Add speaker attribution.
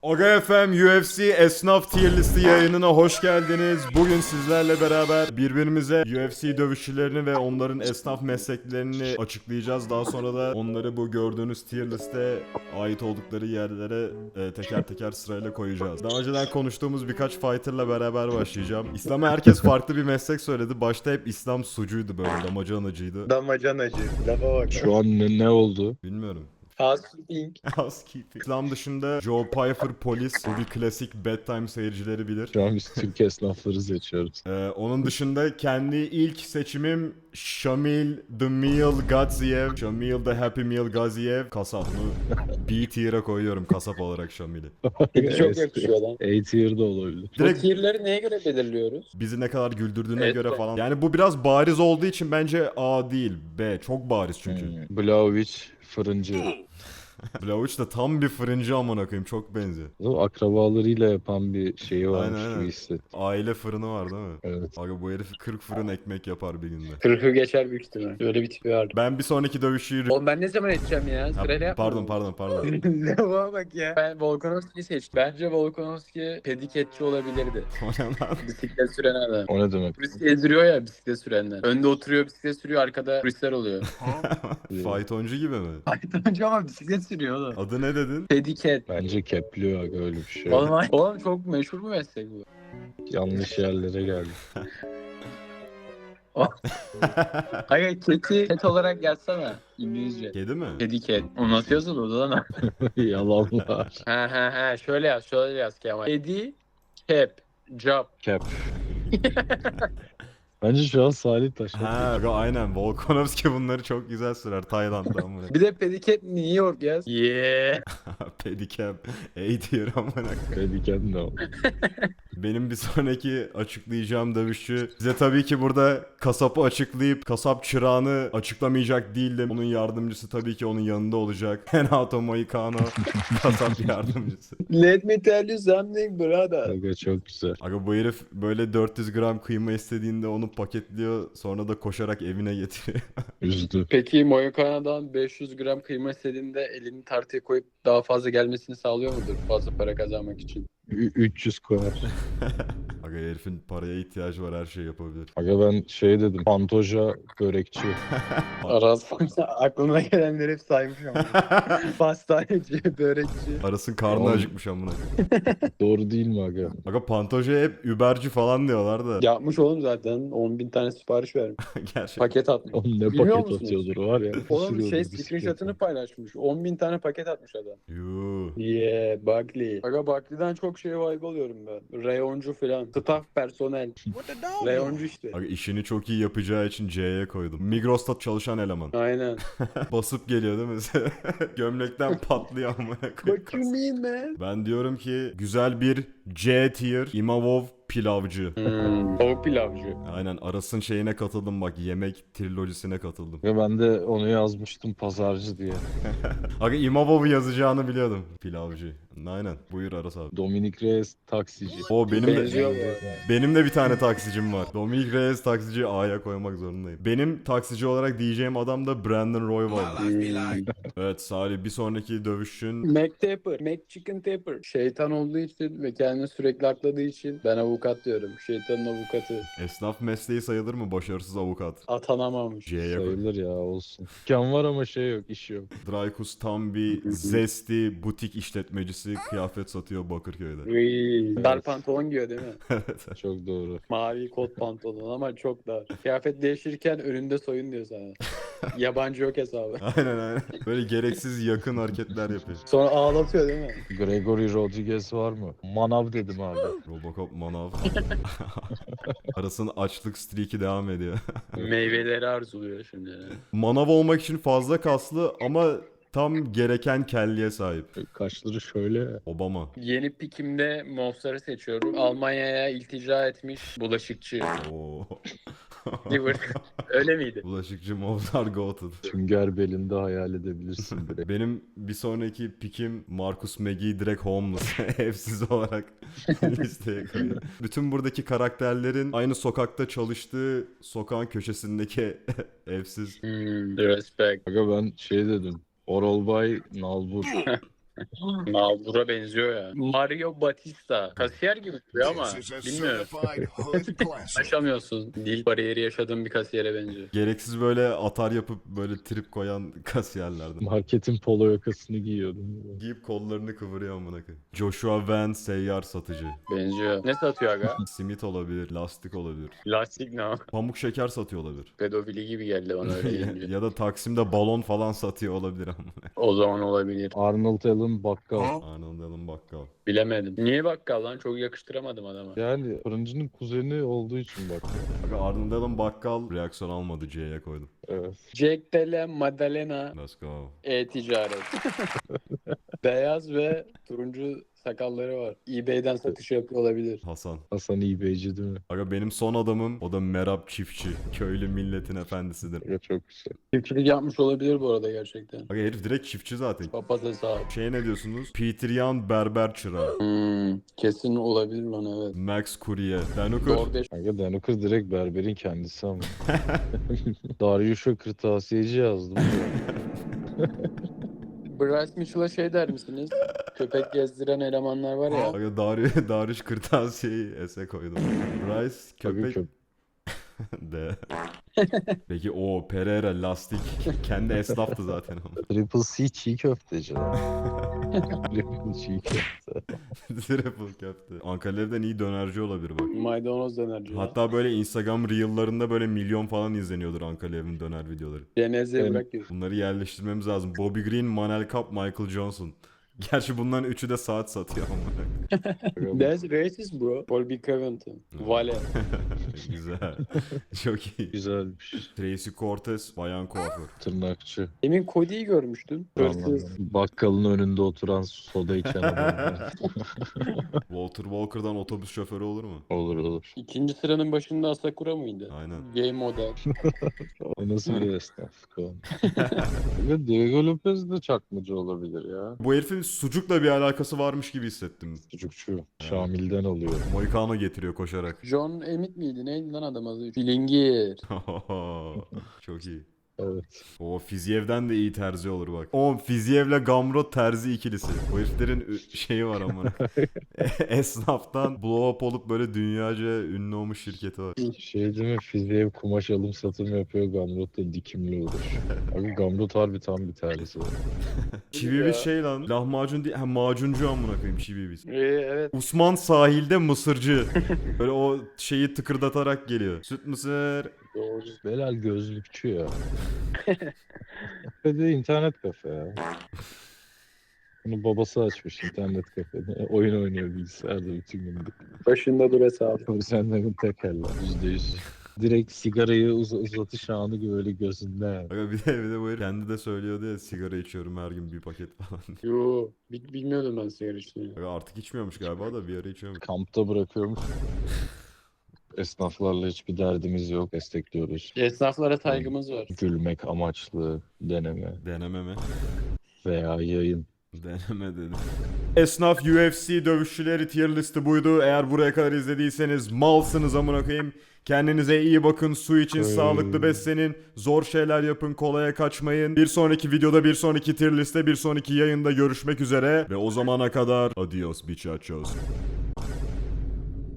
Speaker 1: Aga FM UFC Esnaf Tier Listi yayınına hoş geldiniz. Bugün sizlerle beraber birbirimize UFC dövüşçülerini ve onların esnaf mesleklerini açıklayacağız. Daha sonra da onları bu gördüğünüz tier liste ait oldukları yerlere teker teker sırayla koyacağız. Daha önceden konuştuğumuz birkaç fighterla beraber başlayacağım. İslam'a herkes farklı bir meslek söyledi. Başta hep İslam sucuydu, böyle damacanacıydı.
Speaker 2: Damacanacı. Lafa bak.
Speaker 3: Şu an ne oldu?
Speaker 1: Bilmiyorum.
Speaker 2: Housekeeping.
Speaker 1: Housekeeping. İslam dışında Joe Pyfer polis. Bu bir klasik bedtime, seyircileri bilir.
Speaker 3: Şu an biz Türk esnafları seçiyoruz.
Speaker 1: Onun dışında kendi ilk seçimim Shamil The Meal Gaziev. Shamil The Happy Meal Gaziev. Kasap. Bunu B tier'a koyuyorum kasap olarak Shamil'i.
Speaker 2: Peki çok yakışıyor lan.
Speaker 3: A tier'da olabilir.
Speaker 2: Bu
Speaker 1: Direkt
Speaker 2: tierleri neye göre belirliyoruz?
Speaker 1: bizi ne kadar güldürdüğüne
Speaker 2: Evet,
Speaker 1: göre
Speaker 2: evet.
Speaker 1: falan. Yani bu biraz bariz olduğu için bence A değil, B. Çok bariz çünkü.
Speaker 3: Blaovic fırıncı.
Speaker 1: Blavuç da tam bir fırıncı, amına koyayım, çok benziyor.
Speaker 3: O akrabalarıyla yapan bir şeyi varmış
Speaker 1: Aynen,
Speaker 3: gibi
Speaker 1: aynen.
Speaker 3: hissettim.
Speaker 1: Aile fırını var değil mi?
Speaker 3: Evet.
Speaker 1: Aga bu herif 40 fırın ekmek yapar bir günde.
Speaker 2: 40'ı geçer büyük ihtimal. Öyle bir tipi var.
Speaker 1: Ben bir sonraki dövüşçüyü...
Speaker 2: Oğlum ben ne zaman edeceğim ya?
Speaker 1: Ha,
Speaker 2: Sırayla yapma.
Speaker 1: pardon.
Speaker 2: Lafa bak ya. Ben Volkanovski'yi seçtim. Bence Volkanovski pediketçi olabilirdi.
Speaker 1: O ne lan?
Speaker 2: Bisiklet süren adam.
Speaker 3: O ne demek?
Speaker 2: Turist ezdiriyor ya bisiklet sürenler. Önde oturuyor bisiklet sürüyor, arkada turistler oluyor.
Speaker 1: Faytoncu gibi mi?
Speaker 2: Faytoncu ama bisiklet sürüyor oğlum.
Speaker 1: Adı ne dedin?
Speaker 2: Pediket.
Speaker 3: Bence kepliyor aga öyle bir şey.
Speaker 2: Oğlum çok meşhur bir meslek bu.
Speaker 3: Yanlış yerlere geldi.
Speaker 2: Hayır ket olarak yazsana İngilizce.
Speaker 1: Kedi mi?
Speaker 2: Pediket. O nasıl yazılıyor lan?
Speaker 3: Yalanlar.
Speaker 2: Ha şöyle yaz Kemal. Pedi Cap Job.
Speaker 3: Kep. Bence şu an Salih Taşak.
Speaker 1: Ha aynen, Volkanovski bunları çok güzel sürer Tayland'dan buraya.
Speaker 2: Bir de Pediket New York yaz. Yeah.
Speaker 1: Pedicab A tier amına.
Speaker 3: Dediken de o.
Speaker 1: Benim bir sonraki açıklayacağım dövüşçü. Size tabii ki burada kasapı açıklayıp kasap çırağını açıklamayacak değildim. Onun yardımcısı tabii ki onun yanında olacak. Renato Moicano kasap yardımcısı.
Speaker 2: Let me tell you something brother.
Speaker 3: Aga çok güzel.
Speaker 1: Aga bu herif böyle 400 gram kıyma istediğinde onu paketliyor, sonra da koşarak evine getiriyor.
Speaker 3: Üzdü.
Speaker 2: Peki Moyokana'dan 500 gram kıyma istediğinde elini tartıya koyup daha fazla gelmesini sağlıyor mudur? Fazla para kazanmak için.
Speaker 3: 300 koyar.
Speaker 1: Aga herifin paraya ihtiyacı var, her şeyi yapabilir.
Speaker 3: Aga ben şey dedim. Pantoja börekçi.
Speaker 2: Aras aklıma gelenleri hep saymış ama. Pastaneci, börekçi.
Speaker 1: Arasın karnı
Speaker 3: Oğlum.
Speaker 1: acıkmış amına.
Speaker 3: Doğru değil mi aga?
Speaker 1: Aga Pantoja hep Uberci falan diyorlar da.
Speaker 2: Yapmış oğlum zaten. 10.000 tane sipariş vermiş.
Speaker 1: Gerçekten.
Speaker 2: Paket atmış.
Speaker 3: Oğlum ne
Speaker 2: Bilmiyor
Speaker 3: paket
Speaker 2: musunuz?
Speaker 3: atıyordur var ya.
Speaker 2: Oğlum
Speaker 3: sürüyordur bisikletle.
Speaker 2: screenshot'ını paylaşmış. 10.000 tane paket atmış adam.
Speaker 1: Yuh.
Speaker 2: Yeah, Buckley. Aga Buckley'den çok şey vibe alıyorum ben. Reyoncu falan. Staff personel. Reyoncu işte.
Speaker 1: Aga işini çok iyi yapacağı için C'ye koydum. Migros'ta çalışan eleman.
Speaker 2: Aynen.
Speaker 1: Basıp geliyor değil mi? Gömlekten patlıyor amına koyayım.
Speaker 2: What you mean man?
Speaker 1: Ben diyorum ki güzel bir C tier Imavov pilavcı.
Speaker 2: Tavuk pilavcı.
Speaker 1: Aynen, Aras'ın şeyine katıldım bak, yemek trilojisine katıldım.
Speaker 3: Ve ben de onu yazmıştım pazarcı diye.
Speaker 1: Aga Imavov'u yazacağını biliyordum. Pilavcı. Aynen. Buyur Aras abi.
Speaker 3: Dominic Reyes taksici.
Speaker 1: O benim
Speaker 2: Benziyor
Speaker 1: de
Speaker 2: bu arada.
Speaker 1: benim de bir tane taksicim var. Dominic Reyes taksici A'ya koymak zorundayım. Benim taksici olarak diyeceğim adam da Brandon Royval. Evet Salih, bir sonraki dövüşün.
Speaker 2: McTapper, McChicken Tapper. Şeytan olduğu için ve kendini sürekli akladığı için ben avukat diyorum. Şeytanın avukatı.
Speaker 1: Esnaf mesleği sayılır mı başarısız avukat?
Speaker 2: Atanamamış.
Speaker 1: C'ye koy.
Speaker 3: Sayılır ya olsun. Dükkan var ama şey yok, iş yok.
Speaker 1: Dreykus tam bir zesti butik işletmecisi, kıyafet satıyor Bakırköy'de.
Speaker 2: Dar pantolon giyiyor değil mi?
Speaker 3: Çok doğru.
Speaker 2: Mavi kot pantolon ama çok dar. Kıyafet değiştirirken önünde soyun diyor sana. Yabancı yok hesabı.
Speaker 1: Aynen. Böyle gereksiz yakın hareketler yapıyor.
Speaker 2: Sonra ağlatıyor değil mi?
Speaker 3: Gregory Rodriguez var mı? Manav dedim abi.
Speaker 1: Robocop manav. Arasın açlık streak'i devam ediyor.
Speaker 2: Meyveleri arzuluyor şimdi.
Speaker 1: Manav olmak için fazla kaslı ama tam gereken kelliye sahip.
Speaker 3: Kaşları şöyle.
Speaker 1: Obama.
Speaker 2: Yeni pikimde Mostar'ı seçiyorum. Almanya'ya iltica etmiş bulaşıkçı.
Speaker 1: Oo.
Speaker 2: Liverpool. Öyle miydi?
Speaker 1: Bulaşıkçı Mozart Goated.
Speaker 3: Sünger belinde hayal edebilirsin direkt.
Speaker 1: Benim bir sonraki pikim Marcus Magee direkt homeless. Evsiz olarak listeye koyuyor. Bütün buradaki karakterlerin aynı sokakta çalıştığı sokağın köşesindeki evsiz.
Speaker 2: Respect.
Speaker 3: Aga ben şey dedim. Oral Bay Nalbur.
Speaker 2: Nalbur'a benziyor ya. Mario Batista. Kasiyer gibi duruyor ama
Speaker 4: This is a
Speaker 2: bilmiyorum.
Speaker 4: certified hood classic.
Speaker 2: Aşamıyorsun. Dil bariyeri yaşadığın bir kasiyere benziyor.
Speaker 1: Gereksiz böyle atar yapıp böyle trip koyan kasiyerlerden.
Speaker 3: Marketin polo yakasını giyiyordum.
Speaker 1: Giyip kollarını kıvırıyor amına koyayım. Joshua Van seyyar satıcı.
Speaker 2: Benziyor. Ne satıyor aga?
Speaker 1: Simit olabilir, lastik olabilir.
Speaker 2: Lastik ne o?
Speaker 1: Pamuk şeker satıyor olabilir.
Speaker 2: Pedofili gibi geldi bana öyle deyince.
Speaker 1: Ya da Taksim'de balon falan satıyor olabilir ama.
Speaker 2: O zaman olabilir.
Speaker 3: Arnold Allen bakkal.
Speaker 1: Arnold Allen bakkal.
Speaker 2: Bilemedim. Niye bakkal lan? Çok yakıştıramadım adama.
Speaker 3: Yani fırıncının kuzeni olduğu için bak.
Speaker 1: Aga Arnold Allen bakkal reaksiyon almadı, C'ye koydum.
Speaker 3: Evet.
Speaker 2: Jack Della Maddalena
Speaker 1: Let's go.
Speaker 2: e-ticaret. Beyaz ve turuncu sakalları var. eBay'den satış yapıyor olabilir.
Speaker 1: Hasan.
Speaker 3: Hasan İBC değil mi?
Speaker 1: Aga benim son adamım o da Merab Çiftçi. Köylü milletin efendisidir.
Speaker 3: Ya çok güzel.
Speaker 2: Çiftçilik yapmış olabilir bu arada gerçekten.
Speaker 1: Aga herif direkt çiftçi zaten.
Speaker 2: Papaz hesabı.
Speaker 1: Şey ne diyorsunuz? Peter Yan berber çırağı.
Speaker 2: Kesin olabilir lan evet.
Speaker 1: Max Courier. Danukur.
Speaker 2: DoorDash.
Speaker 3: Kanka Danukur direkt berberin kendisi ama. Darius'a kırtasiyeci yazdım.
Speaker 2: Bryce Mitchell'a şey der misiniz? Köpek gezdiren elemanlar var ya.
Speaker 1: Aga Darius kırtasiyeyi ese koydum. Bryce köpek de. Peki o Pereira lastik. Kendi esnaftı zaten ama.
Speaker 3: Triple C çiğ köfteci. Triple çiğ köfte.
Speaker 1: Triple köfte. Ankara'dan iyi dönerci olabilir bak.
Speaker 2: Maydanoz dönerci.
Speaker 1: Hatta böyle Instagram Reel'larında böyle milyon falan izleniyordur Ankara'nın döner videoları.
Speaker 2: Cenazeye
Speaker 3: Benim-
Speaker 2: bırak diyorsun.
Speaker 1: Bunları yerleştirmemiz lazım. Bobby Green, Manel Kapp, Michael Johnson. Gerçi bunların üçü de saat satıyor ama.
Speaker 2: That's racist bro. Paul B. Covington. Vale.
Speaker 1: Güzel. Çok iyi.
Speaker 3: Güzelmiş.
Speaker 1: Tracy Cortez, bayan kuaför.
Speaker 3: Tırnakçı.
Speaker 2: Demin Cody'yi görmüştüm. Hırsız.
Speaker 3: Anladım. Bakkalın önünde oturan soda içen adam.
Speaker 1: Walter Walker'dan otobüs şoförü olur mu?
Speaker 3: Olur olur.
Speaker 2: İkinci sıranın başında Asakura mıydı?
Speaker 1: Aynen.
Speaker 2: Gay model.
Speaker 3: O nasıl bir esnaflık o? Ve Diego Lopez de çakmacı olabilir ya.
Speaker 1: Bu herifin sucukla bir alakası varmış gibi hissettim.
Speaker 3: Çocukçu. Şamil'den alıyor.
Speaker 1: Moicano getiriyor koşarak.
Speaker 2: John Emmett miydi? Neydi lan adam adı? Filingir.
Speaker 1: Çok iyi.
Speaker 3: Evet.
Speaker 1: O Fizyev'den de iyi terzi olur bak. O Fizyev'le Gamrot terzi ikilisi. O heriflerin şeyi var ama. Esnaftan blow up olup böyle dünyaca ünlü olmuş şirketi var.
Speaker 3: Şey değil mi? Fizyev kumaş alım satım yapıyor. Gamrot da dikimli olur. Abi Gamrot harbi tam bir terlisi var.
Speaker 1: Çiviviz şey lan. Lahmacun değil. Ha macuncu amına koyayım Çiviviz.
Speaker 2: Evet.
Speaker 1: Usman sahilde mısırcı. Böyle o şeyi tıkırdatarak geliyor. Süt mısır.
Speaker 2: Doğru.
Speaker 3: Belal gözlükçü ya. Ve de internet kafe ya. Bunu babası açmış internet kafede. Oyun oynuyor bilgisayarda bütün gün.
Speaker 2: Başında dur hesabı.
Speaker 3: Korsanların tekerler. %100. Direkt sigarayı uzatış anı böyle gözünde.
Speaker 1: Aga bir de bu herif kendi de söylüyordu ya sigara içiyorum her gün bir paket falan diye.
Speaker 2: Yo. Bilmiyordum ben sigara içtiğini.
Speaker 1: Aga artık içmiyormuş galiba da bir ara içiyormuş.
Speaker 3: Kampta bırakıyormuş. Esnaflarla hiçbir derdimiz yok. Destekliyoruz.
Speaker 2: Esnaflara saygımız var.
Speaker 3: Gülmek amaçlı deneme
Speaker 1: Deneme mi?
Speaker 3: veya yayın.
Speaker 1: Deneme dedim. Esnaf UFC dövüşçüleri tier listi buydu. Eğer buraya kadar izlediyseniz malsınız amına koyayım. Kendinize iyi bakın, su için sağlıklı beslenin, zor şeyler yapın, kolaya kaçmayın. Bir sonraki videoda, bir sonraki tier liste, bir sonraki yayında görüşmek üzere. Ve o zamana kadar adios bichachos.